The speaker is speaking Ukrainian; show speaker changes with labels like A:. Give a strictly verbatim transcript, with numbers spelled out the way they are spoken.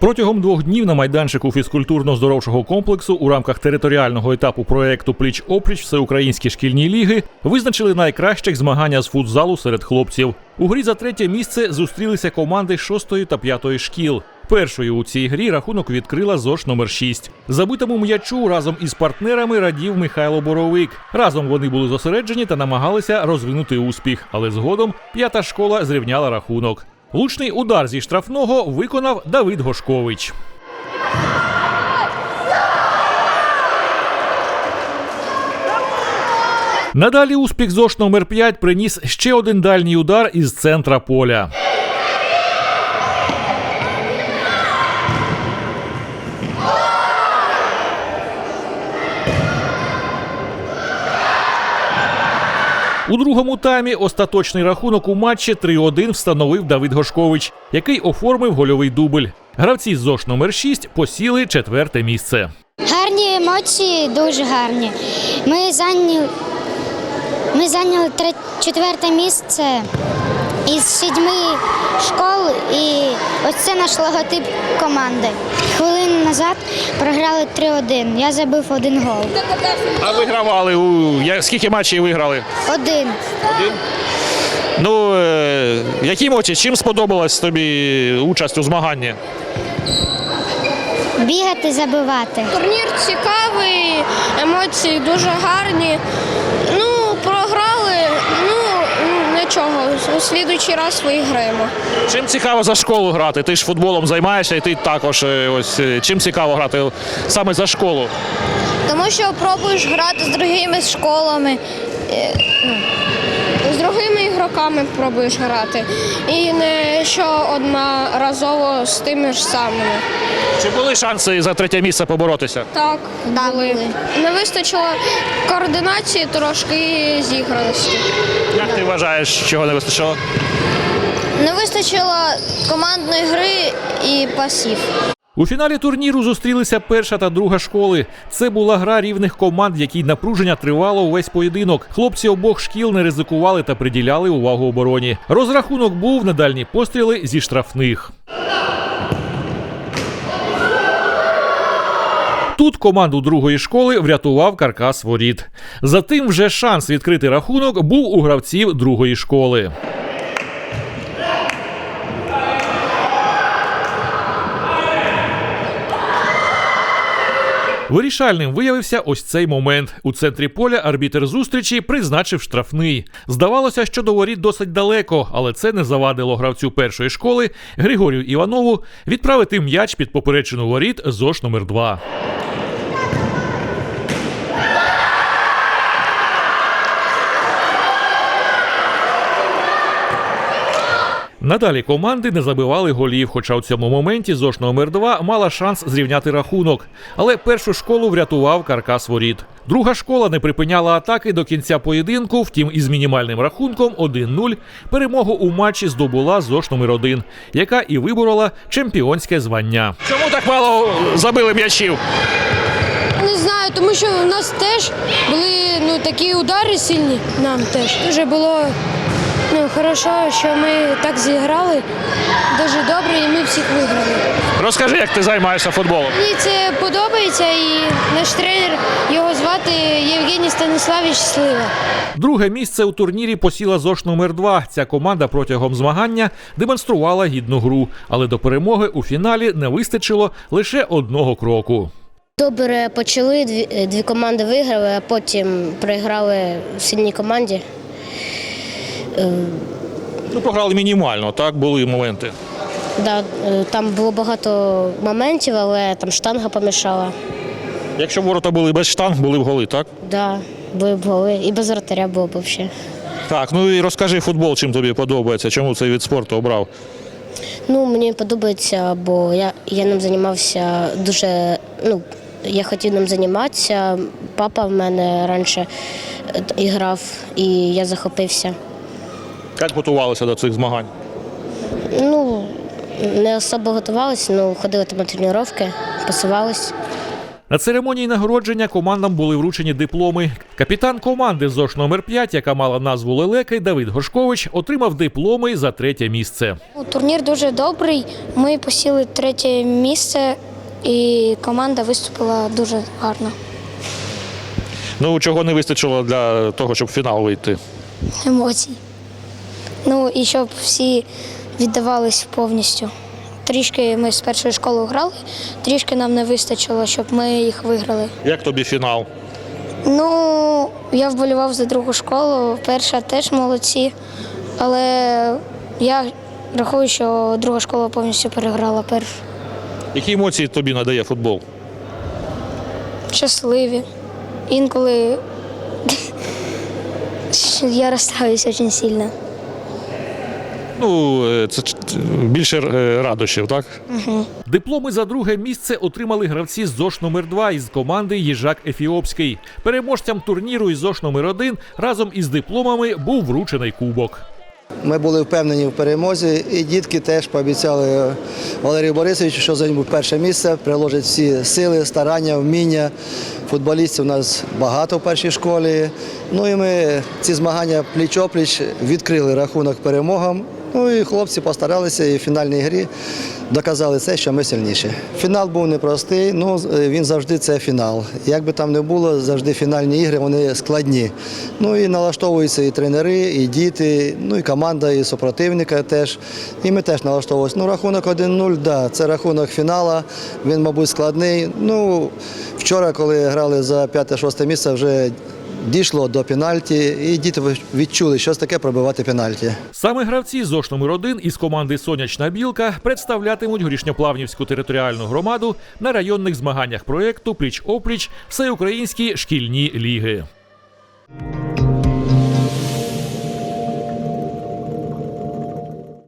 A: Протягом двох днів на майданчику фізкультурно-здоровчого комплексу у рамках територіального етапу проєкту «Пліч-опліч» Всеукраїнські шкільні ліги визначили найкращих змагання з футзалу серед хлопців. У грі за третє місце зустрілися команди шостої та п'ятої шкіл. Першою у цій грі рахунок відкрила ЗОШ номер шість. Забитому м'ячу разом із партнерами радів Михайло Боровик. Разом вони були зосереджені та намагалися розвинути успіх, але згодом п'ята школа зрівняла рахунок. Влучний удар зі штрафного виконав Давид Гошкович. Надалі успіх ЗОШ номер п'ять приніс ще один дальній удар із центра поля. У другому таймі остаточний рахунок у матчі три один встановив Давид Гошкович, який оформив гольовий дубль. Гравці з ЗОШ номер шість посіли четверте місце.
B: Гарні емоції, дуже гарні. Ми зайняли, ми зайняли тре, четверте місце із сідьми школ, і ось це наш логотип команди. Хвилину назад програли три один, я забив один гол.
A: А вигравали? У... Скільки матчів виграли?
B: Один.
A: Один? Ну, е... які емоції? Чим сподобалась тобі участь у змаганні?
B: Бігати, забивати.
C: Турнір цікавий, емоції дуже гарні. Ну, програли, ну, нічого, у слідуючий раз виграємо.
A: Чим цікаво за школу грати? Ти ж футболом займаєшся, і ти також. Ось чим цікаво грати саме за школу?
C: Тому що пробуєш грати з другими школами, з другими ігроками пробуєш грати. І не що одноразово з тими ж самими.
A: Чи були шанси за третє місце поборотися?
C: Так,
B: Так,
C: були.
B: були.
C: Не вистачило координації, трошки і зіграності.
A: Як ти вважаєш, чого не вистачило?
C: Не вистачило командної гри і пасів.
A: У фіналі турніру зустрілися перша та друга школи. Це була гра рівних команд, в якій напруження тривало увесь поєдинок. Хлопці обох шкіл не ризикували та приділяли увагу обороні. Розрахунок був на дальні постріли зі штрафних. Тут команду другої школи врятував каркас воріт. Затим вже шанс відкрити рахунок був у гравців другої школи. Вирішальним виявився ось цей момент. У центрі поля арбітр зустрічі призначив штрафний. Здавалося, що до воріт досить далеко, але це не завадило гравцю першої школи Григорію Іванову відправити м'яч під поперечину воріт ЗОШ номер два. Надалі команди не забивали голів, хоча у цьому моменті ЗОШ номер два мала шанс зрівняти рахунок. Але першу школу врятував каркас воріт. Друга школа не припиняла атаки до кінця поєдинку, втім із мінімальним рахунком один нуль перемогу у матчі здобула ЗОШ номер один, яка і виборола чемпіонське звання. Чому так мало забили м'ячів?
C: Не знаю, тому що у нас теж були ну, такі удари сильні, нам теж. Дуже було ну, хорошо, що ми так зіграли, дуже добре і ми всіх виграли.
A: Розкажи, як ти займаєшся футболом.
C: Мені це подобається і наш тренер, його звати Євгеній Станіславович Слива.
A: Друге місце у турнірі посіла ЗОШ номер два. Ця команда протягом змагання демонструвала гідну гру, але до перемоги у фіналі не вистачило лише одного кроку.
D: Добре почали, дві, дві команди виграли, а потім програли сильній команді.
A: Ну, програли мінімально, так? Були моменти.
D: Да, там було багато моментів, але там штанга помішала.
A: Якщо ворота були без штанг, були б голи, так?
D: Да, були б голи. І без вратаря було б взагалі.
A: Так, ну і розкажи футбол, чим тобі подобається, чому цей вид спорту обрав?
D: Ну, мені подобається, бо я, я ним займався дуже, ну, я хотів ним займатися. Папа в мене раніше грав, і я захопився.
A: Як готувалися до цих змагань?
D: Ну, не особо готувалися, ну, ходили там на тренування, пасувалися.
A: На церемонії нагородження командам були вручені дипломи. Капітан команди ЗОШ номер п'ять, яка мала назву «Лелеки», Давид Горшкович, отримав дипломи за третє місце.
B: Турнір дуже добрий. Ми посіли третє місце, і команда виступила дуже гарно.
A: Ну, чого не вистачило для того, щоб в фінал вийти?
B: Емоцій. Ну і щоб всі віддавались повністю. Трішки ми з першої школи грали, трішки нам не вистачило, щоб ми їх виграли.
A: Як тобі фінал?
B: Ну, я вболівав за другу школу, перша теж молодці, але я рахую, що друга школа повністю переграла першу.
A: Які емоції тобі надає футбол?
B: Щасливі. Інколи я розстраюсь дуже сильно.
A: Ну, це більше радощів, так? Угу. Дипломи за друге місце отримали гравці з ЗОШ номер два із команди «Їжак Ефіопський». Переможцям турніру із ЗОШ номер один разом із дипломами був вручений кубок.
E: Ми були впевнені в перемозі, і дітки теж пообіцяли Валерію Борисовичу, що займуть перше місце, приложать всі сили, старання, вміння. Футболістів у нас багато в першій школі. Ну і ми ці змагання пліч-опліч відкрили рахунок перемогам. Ну і хлопці постаралися і в фінальній грі доказали це, що ми сильніші. Фінал був непростий, ну він завжди це фінал. Як би там не було, завжди фінальні ігри, вони складні. Ну і налаштовуються і тренери, і діти, ну і команда, і супротивника теж. І ми теж налаштовувалися. Ну рахунок один нуль, да, це рахунок фіналу, він, мабуть, складний. Ну, вчора, коли грали за п'яте-шосте місце, вже дійшло до пенальті, і діти відчули, що таке пробивати пенальті.
A: Саме гравці ЗОШ номер один із команди «Сонячна білка» представлятимуть Горішньоплавнівську територіальну громаду на районних змаганнях проєкту «Пліч-опліч» Всеукраїнські шкільні ліги.